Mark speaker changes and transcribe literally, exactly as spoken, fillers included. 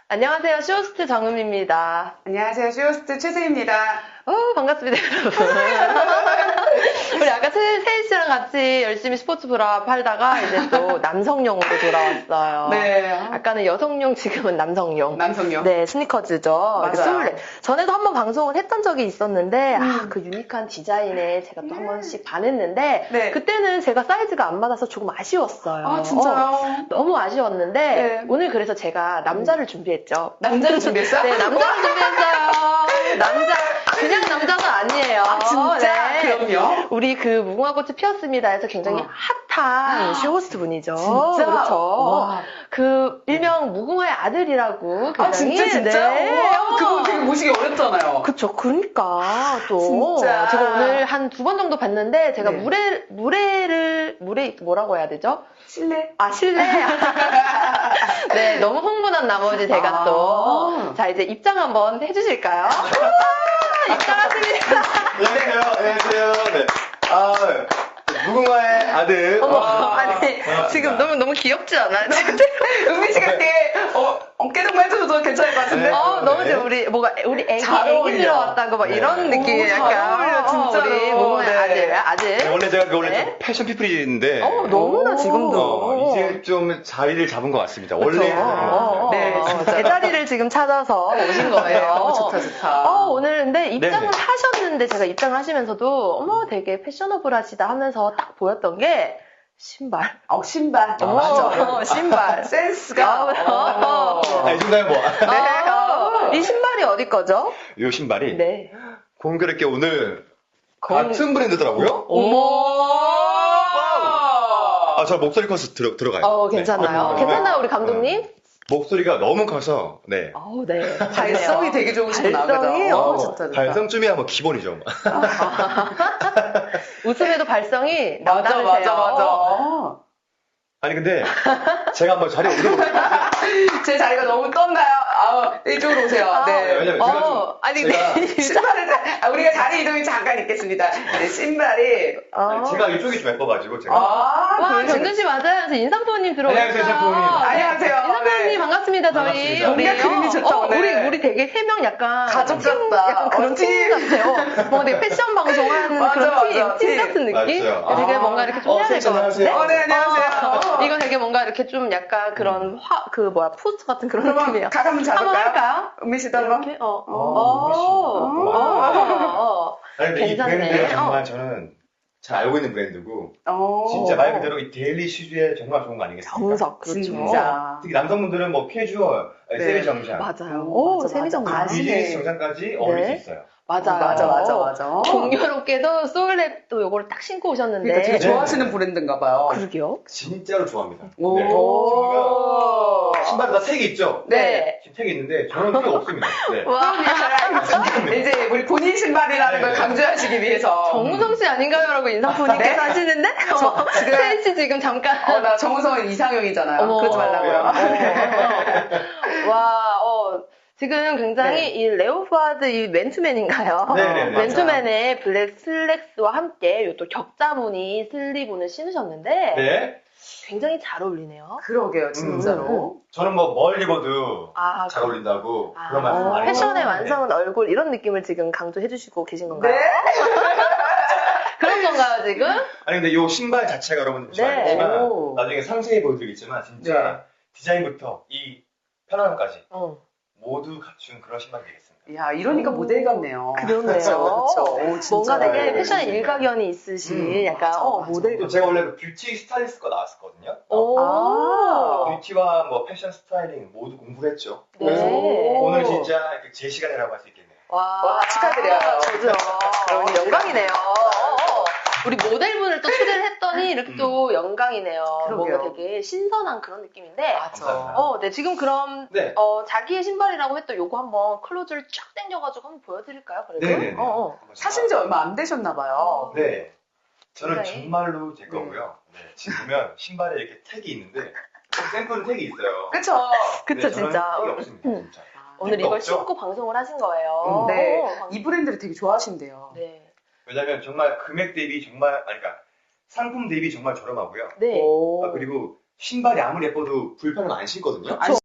Speaker 1: 안녕하세요. 쇼호스트 정음입니다.
Speaker 2: 안녕하세요. 쇼호스트 최세입니다.
Speaker 1: 어, 반갑습니다, 여러분. 우리 아까 세, 세희 씨랑 같이 열심히 스포츠 브라 팔다가 이제 또 남성용으로 돌아왔어요.
Speaker 2: 네.
Speaker 1: 아까는 여성용, 지금은 남성용.
Speaker 2: 남성용.
Speaker 1: 네, 스니커즈죠.
Speaker 2: 맞아요.
Speaker 1: 스물넷. 전에도 한번 방송을 했던 적이 있었는데,
Speaker 2: 음.
Speaker 1: 아, 그 유니크한 디자인에 제가 또 한 번씩 반했는데,
Speaker 2: 네.
Speaker 1: 그때는 제가 사이즈가 안 맞아서 조금 아쉬웠어요.
Speaker 2: 아, 진짜요?
Speaker 1: 어, 너무 아쉬웠는데,
Speaker 2: 네.
Speaker 1: 오늘 그래서 제가 남자를 준비했죠.
Speaker 2: 남자를 준비했어요?
Speaker 1: 네, 남자를 준비했어요. 남자, 그냥 남자가 아니에요.
Speaker 2: 아, 진짜?
Speaker 1: 네.
Speaker 2: 그럼요.
Speaker 1: 우리 그 무궁화꽃이 피었습니다 해서 굉장히
Speaker 2: 어.
Speaker 1: 핫한 쇼호스트 분이죠.
Speaker 2: 진짜?
Speaker 1: 그렇죠.
Speaker 2: 와.
Speaker 1: 그 일명 무궁화의 아들이라고 굉장히
Speaker 2: 아, 진짜, 진짜?
Speaker 1: 네.
Speaker 2: 와, 그거 되게 모시기 어렵잖아요.
Speaker 1: 그쵸. 그러니까 또
Speaker 2: 진짜.
Speaker 1: 제가 오늘 한 두 번 정도 봤는데 제가
Speaker 2: 네.
Speaker 1: 물에 물에를 물에 뭐라고 해야 되죠?
Speaker 2: 실례?
Speaker 1: 아, 실례. 네, 너무 흥분한 나머지 제가
Speaker 2: 아.
Speaker 1: 또. 자, 이제 입장 한번 해주실까요? 우와, 입장하십니다.
Speaker 3: 안녕하세요. 안녕하세요. 네. 아, 무궁화의 아들.
Speaker 1: 어머,
Speaker 3: 아,
Speaker 1: 아니,
Speaker 3: 반갑습니다.
Speaker 1: 지금 너무, 너무 귀엽지 않아요? 지금?
Speaker 2: 은미 씨가 되게, 어, 어깨동무 해줘도 괜찮을 것 같은데?
Speaker 3: 네.
Speaker 1: 어, 너무
Speaker 3: 네.
Speaker 1: 좋아. 우리, 뭐가, 우리 애기,
Speaker 2: 잘
Speaker 1: 애기
Speaker 2: 어울려.
Speaker 1: 들어왔다고 막
Speaker 3: 네.
Speaker 1: 이런 느낌이
Speaker 2: 오, 잘
Speaker 1: 약간.
Speaker 2: 어울려,
Speaker 1: 어,
Speaker 2: 진짜로.
Speaker 1: 우리 무궁화의
Speaker 2: 네.
Speaker 1: 아들, 아들.
Speaker 3: 네, 원래 제가 그 원래
Speaker 1: 네.
Speaker 3: 좀 패션 피플인데.
Speaker 1: 어, 너무나
Speaker 2: 오.
Speaker 1: 지금도.
Speaker 3: 어, 이제 좀 자리를 잡은 것 같습니다.
Speaker 1: 그쵸?
Speaker 3: 원래.
Speaker 1: 어, 어,
Speaker 2: 네,
Speaker 1: 어,
Speaker 2: 진짜.
Speaker 1: 제자리를 지금 찾아서 오신 거예요.
Speaker 2: 네, 어, 좋다, 좋다.
Speaker 1: 어, 오늘 근데 입장을
Speaker 3: 네네.
Speaker 1: 하셨는데 제가 입장을 하시면서도 어머 되게 패셔너블하시다 하면서 딱 보였던 게 신발.
Speaker 2: 어, 신발.
Speaker 3: 아,
Speaker 1: 어,
Speaker 2: 맞아.
Speaker 1: 신발.
Speaker 2: 센스가.
Speaker 1: 어.
Speaker 3: 아, 이 순간에 뭐.
Speaker 1: 네. 어, 이 신발이 어디 거죠?
Speaker 3: 이 신발이.
Speaker 1: 네.
Speaker 3: 공교롭게 오늘
Speaker 1: 공-
Speaker 3: 같은 브랜드더라고요.
Speaker 2: 어머!
Speaker 3: 아, 저 목소리 커서 들어, 들어가요.
Speaker 1: 어, 괜찮나요?
Speaker 3: 네.
Speaker 1: 괜찮나요, 우리 감독님?
Speaker 3: 어, 목소리가 너무 커서, 네.
Speaker 1: 어, 네.
Speaker 2: 발성이 되게 좋으시구나.
Speaker 1: 발성이,
Speaker 2: 그죠?
Speaker 1: 어,
Speaker 2: 어, 좋다, 좋다.
Speaker 3: 발성쯤이야 뭐 기본이죠.
Speaker 1: 웃음에도 발성이
Speaker 2: 맞아,
Speaker 1: 남다르세요.
Speaker 2: 맞아, 맞아.
Speaker 3: 아니, 근데 제가 한번 자리에 오르고
Speaker 2: 제 자리가 너무 떴나요? 아우, 이쪽으로 오세요.
Speaker 1: 아,
Speaker 2: 네.
Speaker 3: 왜냐면 제가 좀.
Speaker 1: 어, 아니,
Speaker 3: 제가,
Speaker 1: 근데
Speaker 2: 신발을, 아, 우리가 자리 이동이 잠깐 있겠습니다. 네, 신발이.
Speaker 1: 어.
Speaker 3: 제가 이쪽이 좀 예뻐가지고, 제가.
Speaker 2: 아,
Speaker 1: 와,
Speaker 2: 그러시구나.
Speaker 1: 정준 씨 맞아요. 저 인상부님 들어오셨어요.
Speaker 3: 안녕하세요, 인상부님.
Speaker 2: 안녕하세요.
Speaker 1: 인상부님
Speaker 2: 네.
Speaker 1: 반갑습니다, 저희.
Speaker 3: 반갑습니다.
Speaker 1: 우리,
Speaker 2: 뭔가 그림이 좋다,
Speaker 1: 어,
Speaker 2: 오늘.
Speaker 1: 우리, 우리 되게 세 명 약간.
Speaker 2: 가족
Speaker 1: 팀,
Speaker 2: 같다.
Speaker 1: 약간 그런
Speaker 2: 어,
Speaker 1: 팀
Speaker 2: 팀.
Speaker 1: 같아요. 뭔가 되게 패션 방송하는
Speaker 2: 맞아,
Speaker 1: 그런
Speaker 2: 맞아,
Speaker 1: 팀, 팀
Speaker 2: 팀.
Speaker 1: 같은 느낌?
Speaker 3: 맞아요.
Speaker 1: 되게
Speaker 2: 아.
Speaker 1: 뭔가 이렇게 좀
Speaker 3: 어,
Speaker 1: 해야 될 것
Speaker 3: 안녕하세요.
Speaker 1: 같은데?
Speaker 2: 어, 네, 안녕하세요.
Speaker 1: 어, 이거 되게 뭔가 이렇게 좀 약간 그런 화, 그 뭐야, 포스트 같은 그런
Speaker 2: 그러면
Speaker 1: 느낌이에요.
Speaker 2: 각 한번
Speaker 1: 한번
Speaker 2: 잡을까요?
Speaker 1: 할까요?
Speaker 2: 은미 씨도 한번?
Speaker 1: 이렇게? 어. 어.
Speaker 3: 어,
Speaker 1: 어. 어. 어.
Speaker 3: 아니, 근데 이
Speaker 1: 괜찮네.
Speaker 3: 브랜드 정말
Speaker 1: 어.
Speaker 3: 저는 잘 알고 있는 브랜드고,
Speaker 2: 어.
Speaker 3: 진짜 말 그대로 이 데일리 슈즈에 정말 좋은 거 아니겠습니까?
Speaker 1: 정석, 그렇죠.
Speaker 2: 진짜.
Speaker 3: 특히 남성분들은 뭐 캐주얼,
Speaker 2: 네.
Speaker 3: 세미 정장,
Speaker 1: 맞아요.
Speaker 2: 오,
Speaker 1: 오,
Speaker 2: 맞아,
Speaker 1: 세미정장.
Speaker 2: 맞아. 아시네.
Speaker 3: 비즈니스 정장까지 어울릴 수 있어요.
Speaker 1: 맞아요.
Speaker 2: 맞아, 맞아, 맞아.
Speaker 1: 공교롭게도 소울랩도 요거를 딱 신고 오셨는데.
Speaker 2: 그러니까 되게
Speaker 3: 네.
Speaker 2: 좋아하시는 브랜드인가 봐요.
Speaker 1: 그러게요.
Speaker 3: 진짜로 좋아합니다.
Speaker 2: 오.
Speaker 3: 네.
Speaker 2: 오.
Speaker 3: 신발도 다 색이 있죠?
Speaker 2: 네.
Speaker 3: 지금 색이 있는데 저는 색이 없습니다. 네.
Speaker 1: 와,
Speaker 2: 이제 우리 본인 신발이라는 걸
Speaker 3: 네.
Speaker 2: 강조하시기 위해서.
Speaker 1: 정우성 씨 아닌가요? 라고 인상부님께서
Speaker 2: 네?
Speaker 1: 하시는데?
Speaker 2: 저,
Speaker 1: 어,
Speaker 2: 지금-
Speaker 1: 세희 씨 지금 잠깐.
Speaker 2: 어, 나 정우성은 이상형이잖아요.
Speaker 1: 어머.
Speaker 2: 그러지 말라고요.
Speaker 1: 어. 와, 어. 지금 굉장히
Speaker 2: 네.
Speaker 1: 이 레오파드 이 맨투맨인가요?
Speaker 3: 네네네.
Speaker 1: 맨투맨의 블랙 슬랙스와 함께 요 또 격자무늬 슬리브를 신으셨는데
Speaker 3: 네.
Speaker 1: 굉장히 잘 어울리네요.
Speaker 2: 그러게요, 진짜로.
Speaker 3: 저는 뭐 뭘 입어도
Speaker 1: 아,
Speaker 3: 잘 어울린다고
Speaker 1: 아,
Speaker 3: 그런 말씀
Speaker 1: 어,
Speaker 3: 많이
Speaker 1: 패션의
Speaker 3: 해요.
Speaker 1: 완성은 얼굴 이런 느낌을 지금 강조해 주시고 계신 건가요?
Speaker 2: 네.
Speaker 1: 그런 건가요 지금?
Speaker 3: 아니 근데 이 신발 자체가 여러분 잘
Speaker 1: 네.
Speaker 3: 알지만
Speaker 2: 오.
Speaker 3: 나중에 상세히 보여드리겠지만 진짜
Speaker 2: 네.
Speaker 3: 디자인부터 이 편안함까지
Speaker 1: 어.
Speaker 3: 모두 갖춘 그런 신발이 되겠습니다.
Speaker 2: 야, 이러니까
Speaker 1: 오.
Speaker 2: 모델 같네요.
Speaker 1: 그러네요.
Speaker 2: 그렇죠, 그렇죠. 오, 진짜.
Speaker 1: 뭔가 되게
Speaker 3: 네,
Speaker 1: 패션에
Speaker 3: 네.
Speaker 1: 일가견이 있으신
Speaker 2: 음,
Speaker 1: 약간
Speaker 2: 맞아,
Speaker 1: 어,
Speaker 2: 맞아.
Speaker 1: 모델.
Speaker 3: 또 제가 원래 그 뷰티 스타일리스트가 나왔었거든요.
Speaker 1: 오.
Speaker 2: 아.
Speaker 3: 뷰티와 뭐 패션 스타일링 모두 공부를 했죠.
Speaker 1: 네.
Speaker 3: 그래서
Speaker 2: 오.
Speaker 3: 오늘 진짜 이렇게 제 시간이라고 할 수 있겠네요.
Speaker 1: 와,
Speaker 2: 와, 축하드려요.
Speaker 1: 저도요.
Speaker 2: 그러니까.
Speaker 1: 영광이네요. 우리 모델분을 또 초대를 했더니 이렇게
Speaker 3: 음.
Speaker 1: 또 영광이네요.
Speaker 2: 그러게요.
Speaker 1: 뭔가 되게 신선한 그런 느낌인데.
Speaker 2: 맞아.
Speaker 1: 어, 네, 지금 그럼,
Speaker 3: 네.
Speaker 1: 어, 자기의 신발이라고 했던 요거 한번 클로즈를 쫙 당겨가지고 한번 보여드릴까요? 그래도?
Speaker 3: 네네네.
Speaker 1: 어, 어.
Speaker 3: 한번
Speaker 2: 사신 지 얼마 안 되셨나봐요.
Speaker 3: 네. 저는
Speaker 1: 굉장히-
Speaker 3: 정말로 제 거고요. 네. 지금 보면 신발에 이렇게 택이 있는데 샘플은 택이 있어요.
Speaker 2: 그쵸?
Speaker 1: 그쵸,
Speaker 3: 네, 저는
Speaker 1: 진짜.
Speaker 3: 택이 없습니다.
Speaker 1: 음.
Speaker 3: 진짜.
Speaker 1: 오늘
Speaker 3: 택도
Speaker 1: 이걸
Speaker 3: 없죠?
Speaker 1: 신고 방송을 하신 거예요.
Speaker 2: 음, 네.
Speaker 1: 어,
Speaker 2: 이 브랜드를 되게 좋아하신대요.
Speaker 1: 네.
Speaker 3: 왜냐면 정말 금액 대비 정말 아니 그러니까 상품 대비 정말 저렴하고요.
Speaker 1: 네.
Speaker 2: 오.
Speaker 3: 아, 그리고 신발이 아무리 예뻐도 불편은 안 신거든요.
Speaker 2: 안